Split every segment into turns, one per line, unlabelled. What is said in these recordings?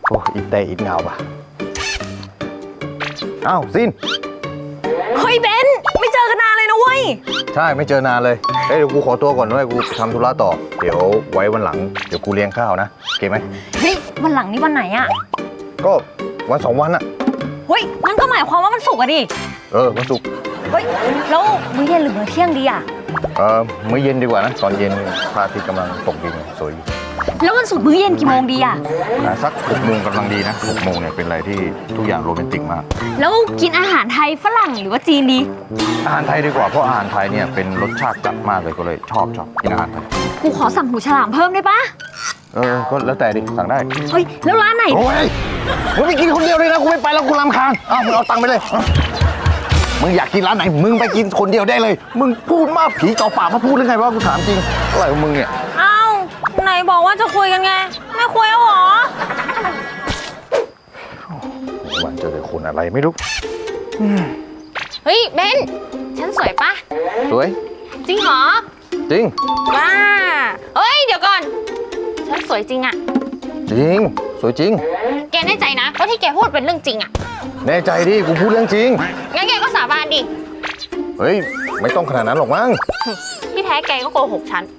โอ้อีแต่อีเงาป่ะอ้าวซิน
เฮ้ยเบนไม่เจอกันนานเลยนะเว้ย
ใช่ไม่เจอนานเลยเฮ้ยเดี๋ยวกูขอตัวก่อนด้วยกูทำธุระต่อเดี๋ยวไว้วันหลังเดี๋ยวกูเลี้ยงข้าวนะโอเคไหม
เฮ้ยวันหลังนี่วันไหนอะ
ก็วัน2 วันอะ
เฮ้ยมันก็หมายความว่ามันศุกร์อะดิ
วันศุกร์
เฮ้ยแล้วมื้อเย็นหรือมื้อเที่ยงดีอะ
มื้อเย็นดีกว่านะตอนเย็นพระอาทิตย์กำลังตกดินสวยอยู่
แล้ววันศุกร์มื้อเย็นกี่โมงดีอะ
สัก6 โมงกำลังดีนะ6 โมงเนี่ยเป็นอะไรที่ทุกอย่างโรแมนติกมาก
แล้วกินอาหารไทยฝรั่งหรือว่าจีนดี
อาหารไทยดีกว่าเพราะอาหารไทยเนี่ยเป็นรสชาติจัดมากเลยก็เลยชอบกินอาหารไทย
กูขอสั่งหูฉลามเพิ่มได้ปะ
ก็แล้วแต่ดิสั่งได้
เฮ้ยแล้วร้านไหน
โอ้ยมึงไปกินคนเดียวเลยนะกูไม่ไปแล้วกูรำคาญมึงเอาตังค์ไปเลยมึงอยากกินร้านไหนมึงไปกินคนเดียวได้เลยมึงพูดมากผีเก่าปากมาพูดหรือไงวะกูถามจริงอะไรของมึงเนี่ย
อ้าวไหนบอกว่าจะคุยกันไงไม่คุยแล้วหรอ
วันเจอแต่คนอะไรไม่รู้
เฮ้ยเบนฉันสวยปะ
สวย
จริงเหรอ
จริง
ว้าเฮ้ยเดี๋ยวก่อนฉันสวยจริงอะ
จริงสวยจริง
แกแน่ใจนะว่าที่แกพูดเป็นเรื่องจริงอะ
แน่ใจดิกูพูดเรื่องจริง
งั้นแกก็สาบานดิ
เฮ้ยไม่ต้องขนาดนั้นหรอกมั้ง
ที่แท้แกก็โกหกฉัน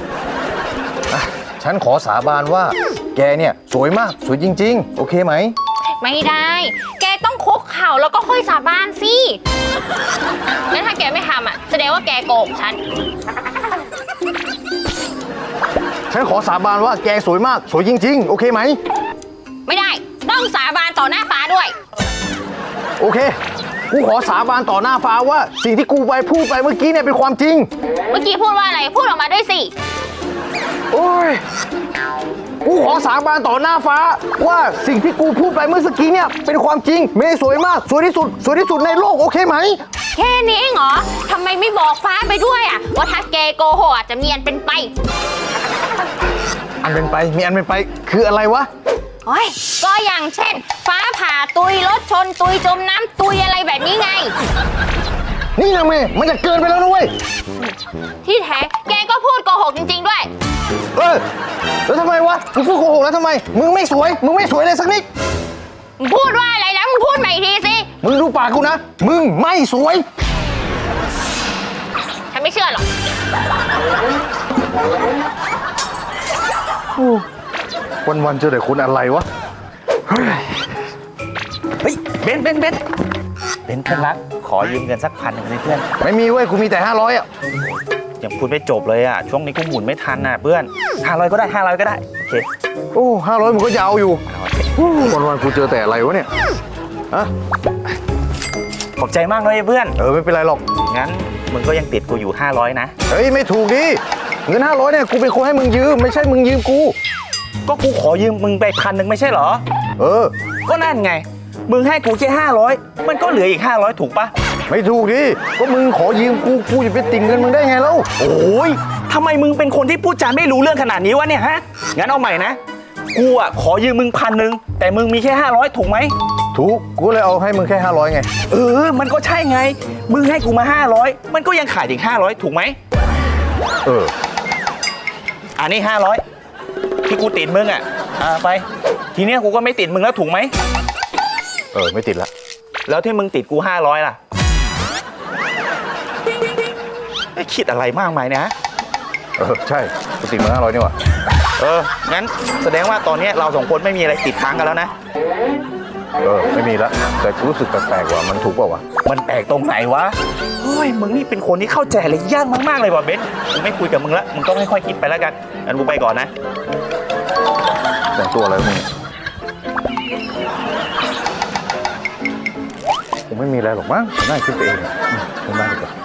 ฉันขอสาบานว่าแกเนี่ยสวยมากสวยจริงๆโอเคไหม
ไม่ได้แกต้องคุกเข่าแล้วก็ค่อยสาบานสิแล้วถ้าแกไม่ทำอะแสดงว่าแกโกหก
ฉันขอสาบานว่าแกสวยมากสวยจริงๆโอเคไหม
ไม่ได้ต้องสาบานต่อหน้าฟ้าด้วย
โอเคกูขอสาบานต่อหน้าฟ้าว่าสิ่งที่กูไปพูดไปเมื่อกี้เนี่ยเป็นความจริง
เมื่อกี้พูดว่าอะไรพูดออกมาด้วยสิ
โอ้ยกูขอสาบานต่อหน้าฟ้าว่าสิ่งที่กูพูดไปเมื่อกี้เนี่ยเป็นความจริงเมย์สวยมากสวยที่สุดในโลกโอเคไหม
แค่นี้เองเหรอทำไมไม่บอกฟ้าไปด้วยอะว่าถ้าแกโกหกจะมีอันเป็นไป
อันเป็นไปมีอันเป็นไปคืออะไรวะ
โอ้ยก็อย่างเช่นฟ้าผ่าตุยรถชนตุยจมน้ำตุยอะไรแบบนี้ไง
นี่นะเมย์มันจะเกินไปแล้วนะเว้ย
ที่แท้แกก็พูดโกหกจริงๆด้วย
แล้วทำไมวะมึงพูดโกหกแล้วทำไมมึงไม่สวยเลยสักนิด
มึงพูดว่าอะไรนะมึงพูดใหม่ทีสิ
มึงดูปากกูนะมึงไม่สวย
ฉันไม่เชื่อหรอก
วันเจอแต่คนอะไรวะ
เฮ้ยเบนเพื่อนรักขอยืมเงินสัก1,000เลยเพื่อน
ไม่มีเว้ยกูมีแต่500อ่ะ
ยังพูดไม่จบเลยอ่ะช่วงนี้กูหมุนไม่ทันน่ะเพื่อน500ก็ได้500ก็ได้โอเค
โอ้500มึงก็ยาวอยู่วันกูเจอแต่อะไรวะเนี่ย
ขอบใจมากเลยเพื่อน
ไม่เป็นไรหรอก
งั้นมึงก็ยังติดกูอยู่500นะ
เฮ้ยไม่ถูกดิเงิน500เนี่ยกูเป็นคนให้มึงยืมไม่ใช่มึงยืมกู
ก็กูขอยืมมึงไป1,000ไม่ใช่เหรอก็นั่นไงมึงให้กูแค่500มันก็เหลืออีก500ถูกปะ
ไม่ถูกดิก็มึงขอยืมกูจะไปติ่งเงินมึงได้ไงแล้ว
โอ้ยทำไมมึงเป็นคนที่พูดจาไม่รู้เรื่องขนาดนี้วะเนี่ยฮะงั้นเอาใหม่นะกูอ่ะขอยืมมึง1,000แต่มึงมีแค่500ถูกไหม
ถูกกูเลยเอาให้มึงแค่500ไง
มันก็ใช่ไงมึงให้กูมา500มันก็ยังขาดอีก500ถูกไหมอันนี้500ที่กูติดมึงอ่ะไปทีเนี้ยกูก็ไม่ติดมึงแล้วถูกไหม
ไม่ติดละ
แล้วที่มึงติดกู500ล่ะไม่คิดอะไรมากมายนะ
ใช่กูติดมึง500นี่หว่า
งั้นแสดงว่าตอนนี้เรา2คนไม่มีอะไรติดค้างกันแล้วนะ
ไม่มีละแต่กูรู้สึกแปลกๆว่ามันถูกเปล่าวะ
มันแปลกตรงไหนวะเฮ้ยมึงนี่เป็นคนที่เข้าใจอะไรยากมากๆเลยว่ะเบนกูไม่คุยกับมึงละมึงต้องค่อยๆคิดไปแล้วกันงั้นกูไปก่อนนะ
แต่งตัวอะไรมึงผมไม่มีอะไรหรอกมั้งน่าคิดไปเองไม่ได้ดีกว่า